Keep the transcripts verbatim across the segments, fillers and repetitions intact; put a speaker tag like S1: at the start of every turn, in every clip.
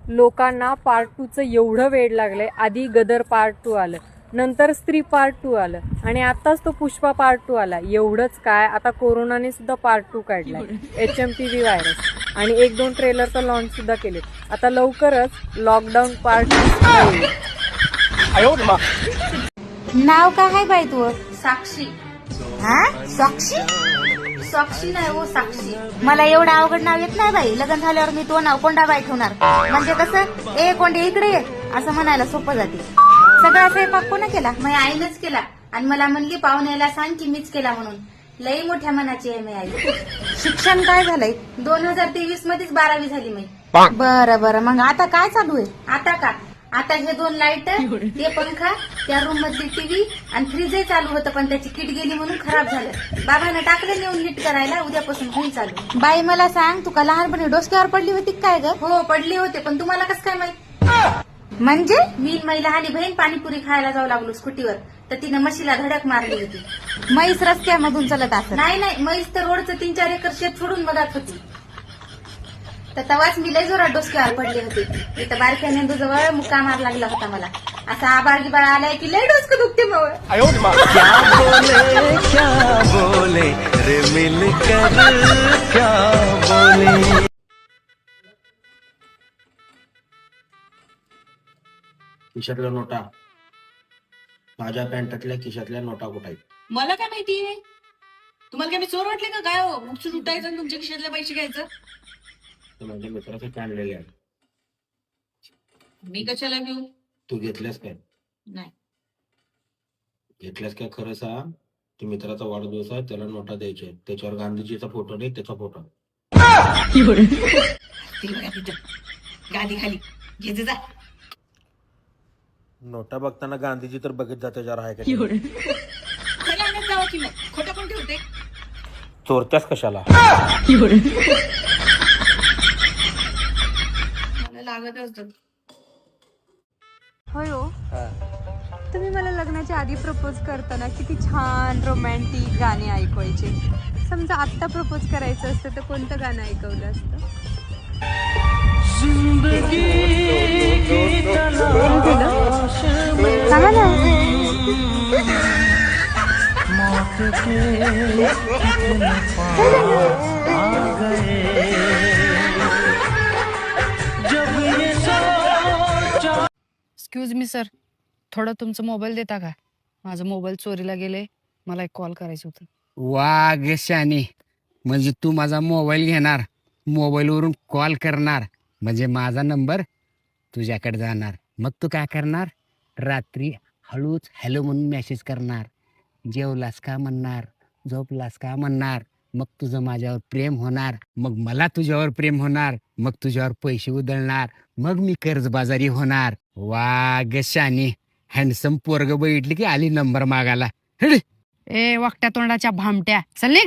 S1: लोकांना पार्ट टूचं एवढं वेड लागलंय. आधी गदर पार्ट टू आलं, नंतर स्त्री पार्ट टू आलं आणि आताच तो पुष्पा पार्ट टू आला. एवढंच काय, आता कोरोनाने सुद्धा पार्ट टू काढलाय, H M P V virus, आणि एक दोन ट्रेलर तर लॉन्च सुद्धा केले. आता लवकरच लॉकडाऊन पार्ट टू.
S2: नाव काय आहे बाई तू?
S3: साक्षी.
S2: हा, साक्षी?
S3: साक्षी नाही हो, साक्षी.
S2: मला एवढं अवघड नाव येत नाही बाई. लग्न झाल्यावर मी तो नाव कोंडाबाई ठेवणार. म्हणजे कसं, ए कोंडे इकडे ये असं म्हणायला सोपं जाते. सगळा स्वयंपाक कोणा केला?
S3: माझ्या आईनंच केला आणि मला म्हणली पाहुण्याला सांग की मीच केला म्हणून. लई मोठ्या मनाची आहे मी आई.
S2: शिक्षण काय झालंय?
S3: दोन हजार तेवीस मध्येच बारावी झाली मी.
S2: बरं बरं, मग आता काय चालू आहे?
S3: आता का, आता हे दोन लाईट, ते पंखा, त्या रूम मधली टीव्ही आणि फ्रीजही चालू होतं, पण त्याची किट गेली म्हणून खराब झालं. बाबांना टाकलं नेऊन नीट करायला, उद्यापासून होईल चालू.
S2: बाई मला सांग, तू का लहानपणी डोसक्यावर पडली होती काय ग?
S3: हो पडले होते, पण तुम्हाला कसं काय माहित?
S2: म्हणजे
S3: मी माझी लहानी बहीण पाणीपुरी खायला जाऊ लागलो स्कूटीवर, तर तिनं म्हशीला धडक मारली होती.
S2: म्हैस रस्त्यामधून चलत असत?
S3: नाही नाही, म्हैस तर रोडचं तीन चार एकर शेत सोडून बघत होती. तर तवाच मी लय जोरात डोसक्यावर पडले होते. इथं बारक्या मेंदूजवळ मुक्का मार लागला होता मला. असा आबाळ गिबाळ आलाय की लय डोसकं दुखते मग.
S4: क्या बोले क्या बोले रे मिलकर क्या बोले.
S5: खिशातल्या नोटा, माझ्या पॅन्टातल्या खिशातल्या नोटा कुठे आहेत?
S6: मला काय माहितीये? तुम्हाला काय मी चोर वाटले का काय? हो मुक्षून उठायचं आणि तुमच्या खिशातले पैसे घ्यायचं.
S5: ते माझ्या मित्राचे आणलेले आहे.
S6: मी कशाला घेऊ?
S5: तू घेतल्यास काय?
S6: नाही.
S5: घेतल्यास काय खरं सांग. ते मित्राचा वाढदिवस आहे, त्याला नोटा द्यायच्या आहेत. त्याच्यावर गांधीजीचा फोटो नाही, त्याचा फोटो.
S6: गादी खाली घे जा.
S5: नोटा बघताना गांधीजी तर बघित जा त्याच्यावर आहे का?
S6: खरं आणत जावं की मग, खोटं पण ठेवते.
S5: चोरत्यास कशाला?
S6: मला लागत असतं.
S1: होय हो, तुम्ही मला लग्नाच्या आधी प्रपोज करताना किती छान रोमॅन्टिक गाणे ऐकवायचे. समजा आत्ता प्रपोज करायचं असतं तर कोणतं गाणं ऐकवलं असतं? सांगा ना.
S7: एक्सक्यूज मी सर, थोडं तुमचं मोबाईल देता का? माझा मोबाईल चोरीला गेले, मला एक कॉल करायचं होतं.
S8: वा ग शानी, म्हणजे तू माझा मोबाईल घेणार, मोबाईलवरून कॉल करणार, म्हणजे माझा नंबर तुझ्याकडे जाणार. मग तू काय करणार? रात्री हळूच हॅलो म्हणून मेसेज करणार, जेवलास का म्हणणार, झोपलास का म्हणणार. मग तुझं माझ्यावर प्रेम होणार, मग मला तुझ्यावर प्रेम होणार, मग तुझ्यावर पैसे उधळणार, मग मी कर्जबाजारी होणार. वा ग शानी, हँडसम पोरग बघितली की आली नंबर मागायला.
S7: ए वाकट्या तोंडाच्या भामट्या, चल निघ.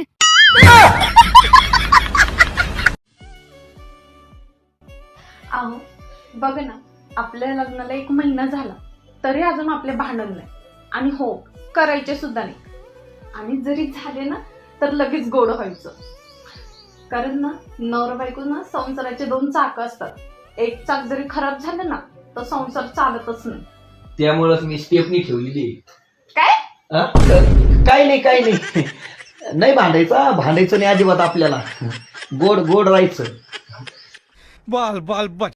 S9: अहो बघ ना, आपल्या लग्नाला एक महिना झाला तरी अजून आपले भांडण नाही, आणि हो करायचे सुद्धा नाही. आणि जरी झाले ना तर लगेच गोड व्हायचं. कारण ना नवरा बायको ना संसाराचे दोन चाक असतात. एक चाक जरी खराब झालं ना तर संसार चालतच नाही.
S10: त्यामुळेच मी स्टेपनी ठेवलेली.
S9: काय?
S10: काय नाही काय नाही नाही भांडायचं भांडायचं नाही अजिबात. आपल्याला गोड गोड राहायचं.
S4: बाल बाल बच